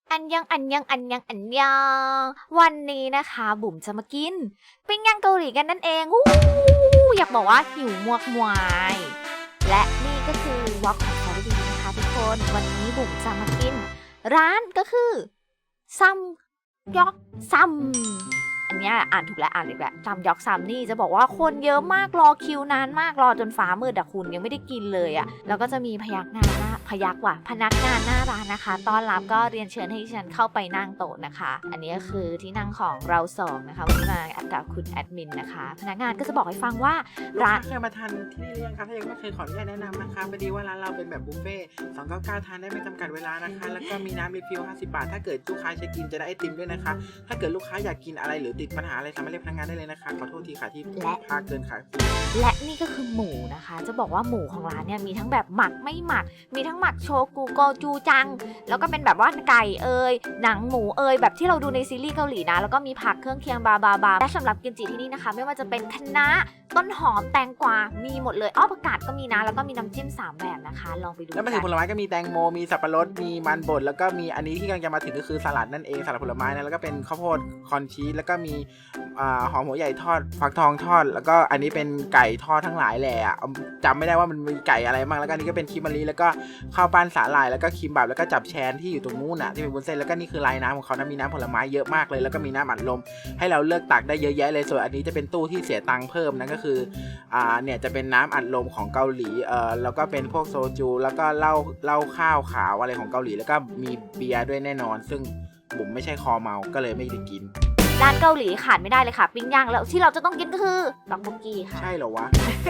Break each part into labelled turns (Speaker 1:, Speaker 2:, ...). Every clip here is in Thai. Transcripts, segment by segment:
Speaker 1: อันยังวันนี้นะคะบุ๋มจะมากินปิ้งย่างเกาหลีกันนั่นเองอยากบอกว่าหิวมวกมวายและนี่ก็คือวอล์กของซาดีนะคะทุกคนวันนี้บุ๋มจะมากินร้านก็คือซัมยอกซัมอันนี้อ่านถูกแล้วอ่านอีกแล้วซัมยอกซัมนี่จะบอกว่าคนเยอะมากรอคิวนานมากรอจนฟ้ามืดแต่คุณยังไม่ได้กินเลยอ่ะแล้วก็จะมีพนักงานหน้าร้านนะคะต้อนรับก็เรียนเชิญให้ฉันเข้าไปนั่งโต๊ะนะคะอันนี้ก็คือที่นั่งของเราสองนะคะวันนี้มากับคุณแอดมินนะคะพนักงานก็จะบอกให้ฟังว่าร้าน
Speaker 2: เคยมาทานที่นี่หรือยังคะถ้ายังไม่เคยขออนุญาตแนะนำนะคะพอดีว่าร้านเราเป็นแบบบุฟเฟ่299ทานได้ไม่จำกัดเวลานะคะแล้วก็มีน้ำรีฟิล50 บาทถ้าเกิดลูกค้าเช็คอินจะได้ไอติมด้วยนะคะถ้าเกิดลูกค้าอยากกินอะไรหรือติดปัญหาอะไรสามารถเรียกพนักงานได้เลยนะคะขอโทษทีค่ะที่พาเกินค่ะ
Speaker 1: และนี่ก็คือหมูนะคะจะบอกว่าหมูของร้านเนี่ยมีทั้งแบบหมักไม่หมักมีทั้งหมักโชกุโกจูจังแล้วก็เป็นแบบว่าไก่หนังหมูแบบที่เราดูในซีรีส์เกาหลีนะแล้วก็มีผักเครื่องเคียงบาและสำหรับกิมจิที่นี่นะคะไม่ว่าจะเป็นคะน้าต้นหอมแตงกวามีหมดเลยผักกาดก็มีนะแล้วก็มีน้ำจิ้ม3แบบนะคะลองไปดู
Speaker 2: แล้วมาถึงผลไม้ก็มีแตงโมมีสับปะรดมีมันบดแล้วก็มีอันนี้ที่กำลังจะมาถึงก็คือสลัดนั่นเองสลัดผลไม้นะแล้วก็เป็นข้าวโพดคอนชีสแล้วก็มีหอมหัวใหญ่ทอดฟักทองทอดแล้วก็อันนี้เป็นไก่ทอดทั้งหลายแหละจำไม่ได้ว่ามันมีไก่อะไรบ้างแล้วก็อันนี้ก็เป็นคิมมารีแล้วก็ข้าวปั้นสาหร่ายแล้วก็คิมบับแล้วก็จับแชนที่อยู่ตรงนู้นน่ะที่เป็นวุ้นเส้นแล้วก็นี่คือลายน้ำของเขานะมีน้ำผลไม้เยอะมากเลยแล้วก็มีน้ำอัดลมให้เราเลือกตักได้เยอะแยะเลยส่วนอันนี้จะเป็นตู้ที่เสียตังค์เพิ่มนั่นก็คือเนี่ยจะเป็นน้ำอัดลมของเกาหลีแล้วก็เป็นพวกโซจูแล้วก็เหล้าข้าวขาวอะไรของเกาหลีแล้วก็มีเบียร์ด้วยแน่นอนซึ่งบุ๋มไม่ใช่คอเมาก็เลยไม่ได้กิน
Speaker 1: ร้านเกาหลีขาดไม่ได้เลยค่ะปิ้งย่างแล้วที่เราจะต้องกินก็คือต๊อกบกกี้ค่ะ
Speaker 2: ใช่เหรอวะ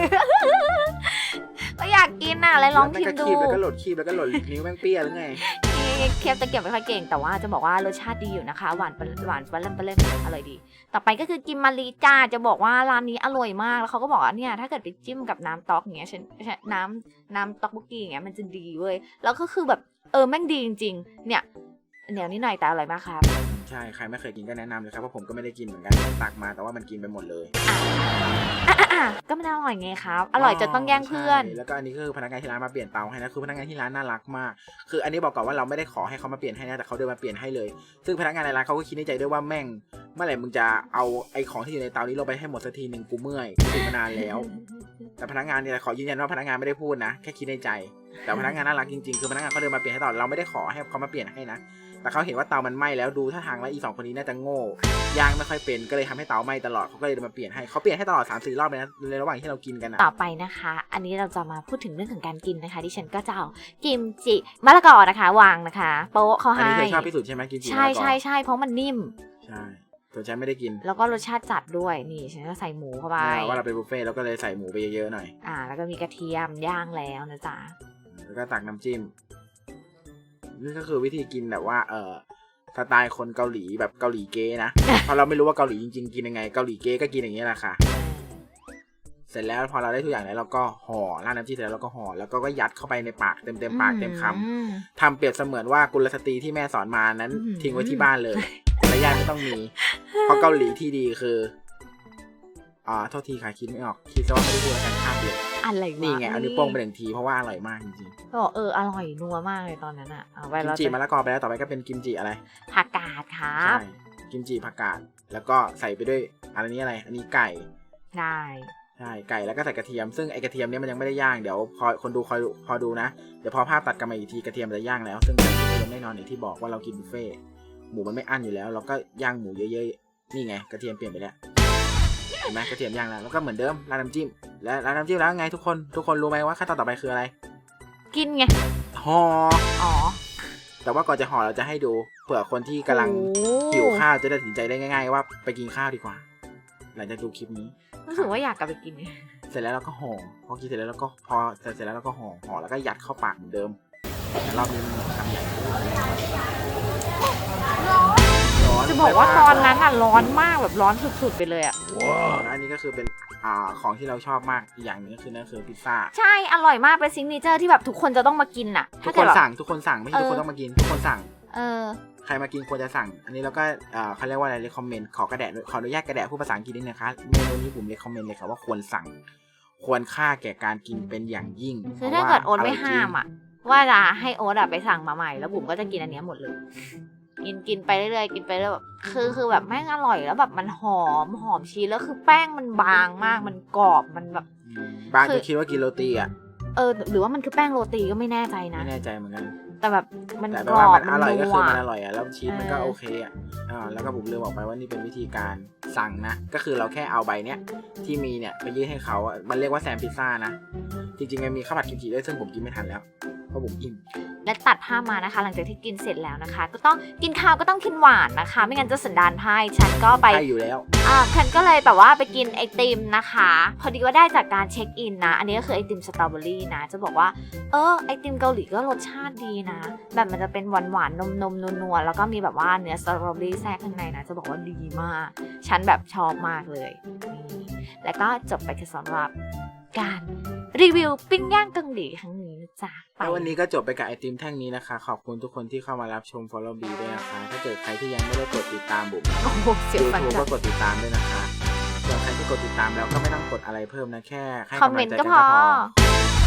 Speaker 1: ก็อยากกินน่ะเลยลองชิมดู
Speaker 2: แล้วก็หลดคีบแล้วก็หลดนิ้วแม่งเปี้ยหรือไง
Speaker 1: เคียบตะเกียบไม่ค่อยเก่งแต่ว่าจะบอกว่ารสชาติดีอยู่นะคะหวานปลาเล่มอร่อยดีต่อไปก็คือกิมมารีจ้าจะบอกว่าร้านนี้อร่อยมากแล้วเขาก็บอกว่าเนี่ยถ้าเกิดไปจิ้มกับน้ำต๊อกอย่างเงี้ยน้ำต๊อกบกกี้อย่างเงี้ยมันจะดีเว้ยแล้วก็คือแบบแม่งดีจริงๆเนี่ยเหนียวนิดหน่อยแต่อร่อยมากครับ
Speaker 2: ใช่ใครไม่เคยกินก็แนะนำเลยครับเพราะผมก็ไม่ได้กินเหมือนกันตักมาแต่ว่ามันกินไปหมดเลย
Speaker 1: ก็ไม่ได้อร่อยไงครับอร่อยจนต้องแย่งเพื่อน
Speaker 2: แล้วก็อันนี้คือพนักงานที่ร้านมาเปลี่ยนเตาให้นะคือพนักงานที่ร้านน่ารักมากคืออันนี้บอกก่อนว่าเราไม่ได้ขอให้เขามาเปลี่ยนให้นะแต่เขาเดินมาเปลี่ยนให้เลยซึ่งพนักงานในร้านเขาก็คิดในใจด้วยว่าแม่งเมื่อไหร่มึงจะเอาไอ้ของที่อยู่ในเตานี้ลงไปให้หมดสักทีนึงกูเมื่อยกูมานานแล้วแต่พนักงานเนี่ยขอยืนยันว่าพนักงานไม่ได้พูดนะแค่คิดในใจแต่พนักงานน่ารักจริงๆคือพนักงานเขาเดินมาเปลี่ยนให้ตลอดเราไม่ได้ขอให้เขามาเปลี่ยนให้นะแต่เขาเห็นว่าเตามันไหม้แล้วดูท่าทางแล้วอี2คนนี้น่าจะโง่ย่างไม่ค่อยเป็นก็เลยทำให้เตาไหม้ตลอดเขาก็เลยมาเปลี่ยนให้เขาเปลี่ยนให้ตลอด 3-4 รอบเลยนะในระหว่างที่เรากินกัน
Speaker 1: ต่อไปนะคะอันนี้เราจะมาพูดถึงเรื่องของการกินนะคะที่ฉันก็จะเอากิมจิมะละกอนะคะวางนะคะโป๊ะเขาให้
Speaker 2: อันนี้เธอชอบที่สุดใช่ไหมกิมจิ
Speaker 1: ใช่เพราะมันนิ่ม
Speaker 2: ใช่ส่วนฉันไม่ได้กิน
Speaker 1: แล้วก็รสชาติจัดด้วยนี่ฉันก็ใส่หมูเข้าไป
Speaker 2: ว่าเราเป็นบุฟเฟ่ต์เราก็เลยใส่หมูไปเยอะๆหน่อย
Speaker 1: แล้วก็มีกระเทียมย่างแล้วนะจ๊ะ
Speaker 2: แล้วก็ตักน้ำจิ้มนี่ก็คือวิธีกินแบบว่าสไตล์คนเกาหลีแบบเกาหลีเก๊นะ เพราะเราไม่รู้ว่าเกาหลีจริงๆกินยังไงเกาหลีเก๊ก็กินอย่างนี้แหละค่ะเสร็จแล้วพอเราได้ทุกอย่างแล้วเราก็ห่อราดน้ำจิ้มเสร็จแล้วเราก็ห่อแล้วก็ยัดเข้าไปในปากเต็มปากเต็มคำทำเปรียบเสมือนว่ากุลสตรีที่แม่สอนมานั้นทิ้งไว้ที่บ้านเลยและญาติไม่ต้องมีเพราะเกาหลีที่ดีคือโทษทีค่ะคิดไม่ออกคิดซะว่าไม่ได้พูดกันข้ามเดียว
Speaker 1: อะไร
Speaker 2: นี่ไงเอานิ้วโป้งไป1 ทีเพราะว่าอร่อยมากจริง
Speaker 1: ๆก็อร่อยนัวมากเลยตอนนั้นอ่ะ
Speaker 2: กิมจิมะละกอไปแล้วต่อไปก็เป็นกิมจิอะไร
Speaker 1: ผักกาดครับ
Speaker 2: ใช่กิมจิผักกาดแล้วก็ใส่ไปด้วยอันนี้อะไรอันนี้ไก่
Speaker 1: ใช่
Speaker 2: ไก่แล้วก็ใส่กระเทียมซึ่งไอกระเทียมเนี้ยมันยังไม่ได้ย่างเดี๋ยวคนดูพอดูนะเดี๋ยวพอภาพตัดกันมาอีกทีกระเทียมจะย่างแล้วซึ่งกระเทียมแน่นอนอย่างที่บอกว่าเรากินบุฟเฟ่หมูมันไม่อั้นอยู่แล้วเราก็ย่างหมูเยอะๆนี่ไงกระเทียมเปลี่ยนไปแล้วเห็นไหมกระเทียมย่างแล้วก็เหมือนเดิมราดน้ำจิ้มและราดน้ำจิ้มแล้วไงทุกคนรู้ไหมว่าขั้นตอนต่อไปคืออะไร
Speaker 1: กินไง
Speaker 2: ห่อแต่ว่าก่อนจะห่อเราจะให้ดูเผื่อคนที่กำลังหิวข้าวจะได้ตัดสินใจได้ง่ายๆว่าไปกินข้าวดีกว่าหลังจากดูคลิปนี้
Speaker 1: รู้สึกว่าอยากกลับไปกิน
Speaker 2: เสร็จแล้วเราก็ห่อพอกินเสร็จแล้วเราก็พอเสร็จแล้วเราก็ห่อแล้วก็ยัดเข้าปากเหมือนเดิมแต่รอบนี้มันทำใหญ่
Speaker 1: จะบอกว่าตอนนั้นร้อนมากแบบร้อนสุดๆไปเลย
Speaker 2: ว้าวอันนี้ก็คือเป็นของที่เราชอบมากอีกอย่างนึงก็คือนั่นคือพิซซ่า
Speaker 1: ใช่อร่อยมากเป็นซิกเนเจอร์ที่แบบทุกคนจะต้องมากินน่ะ
Speaker 2: ทุกคนสั่งไม่ใช่ทุกคนต้องมากินทุกคนสั่งใครมากินควรจะสั่งอันนี้เราก็เขาเรียกว่าอะไรรีคอมเมนต์ขออนุญาตกระแดะพูดภาษาอังกฤษนิดนึงนะคะเมนูนี้ผมรีคอมเมนต์เลยค่ะว่าควรสั่งควรค่าแก่การกินเป็นอย่างยิ่ง
Speaker 1: คือถ้าเกิดโอ๊ตไม่ห้ามว่าจะให้โอ๊ตไปสั่งมาใหม่แล้วบุ๋มก็จะกินอันนี้หมดเลยกินไปเรื่อยๆกินไปเรื่อยแบบคือแบบแม่งอร่อยแล้วแบบมันหอมชีสแล้วคือแป้งมันบางมากมันกรอบมันแบบ
Speaker 2: บางจะคิดว่ากินโรตีอ่ะ
Speaker 1: หรือว่ามันคือแป้งโรตีก็ไม่แน่ใจนะ
Speaker 2: ไม่แน่ใจเหมือนกัน
Speaker 1: แต่แบบมัน
Speaker 2: แต่
Speaker 1: กร
Speaker 2: ว่า
Speaker 1: อบ
Speaker 2: มันอร่อยก็คือ
Speaker 1: นัว
Speaker 2: มันอร่อยอ่ะแล้วชีสมันก็โอเคอ่ะแล้วก็ผมลืมบอกไปว่านี่เป็นวิธีการสั่งนะก็คือเราแค่เอาใบเนี้ยที่มีเนี่ยไปยื่นให้เขาอ่ะมันเรียกว่าแซมพิซซ่านะจริงๆมันมีข้าวผัดกิมจิด้วยซึ่งผมกินไม่ทันแล้วเพราะผมอิ่ม
Speaker 1: และตัดภาพมานะคะ หลังจากที่กินเสร็จแล้วนะคะ ก็ต้องกินข้าวก็ต้องกินหวานนะคะ ไม่งั้นจะสันดานไพร่ฉันก็ไป
Speaker 2: ใช่อยู่แล้ว
Speaker 1: ฉันก็เลยแบบว่าไปกินไอติมนะคะ พอดีว่าได้จากการเช็คอินนะ อันนี้ก็คือไอติมสตรอเบอรี่นะ จะบอกว่าไอติมเกาหลีก็รสชาติดีนะ แบบมันจะเป็นหวานนมนัวๆแล้วก็มีแบบว่าเนื้อสตรอเบอรี่แทรกข้างในนะจะบอกว่าดีมาก ฉันแบบชอบมากเลยนี่แล้วก็จบไปสำหรับการรีวิวปิ้งย่างเกาหลีครั้งนี้นะจ๊ะ
Speaker 2: แล้ววันนี้ก็จบไปกับไอติมแท่งนี้นะคะขอบคุณทุกคนที่เข้ามารับชม Follow B ด้วยนะคะถ้าเกิดใครที่ยังไม่ได้กดติดตามบุ๋ม
Speaker 1: โอ้โหเสียวฟัน
Speaker 2: YouTube
Speaker 1: จั
Speaker 2: ก็
Speaker 1: ง
Speaker 2: กดติดตามด้วยนะคะส่วนใครที่กดติดตามแล้วก็ไม่ต้องกดอะไรเพิ่มนะแค่ให้
Speaker 1: คอม
Speaker 2: กำ
Speaker 1: เม
Speaker 2: ลั
Speaker 1: น
Speaker 2: ง
Speaker 1: ต์
Speaker 2: ใจ
Speaker 1: ก็
Speaker 2: กัน
Speaker 1: พ
Speaker 2: ก็
Speaker 1: อ
Speaker 2: พอ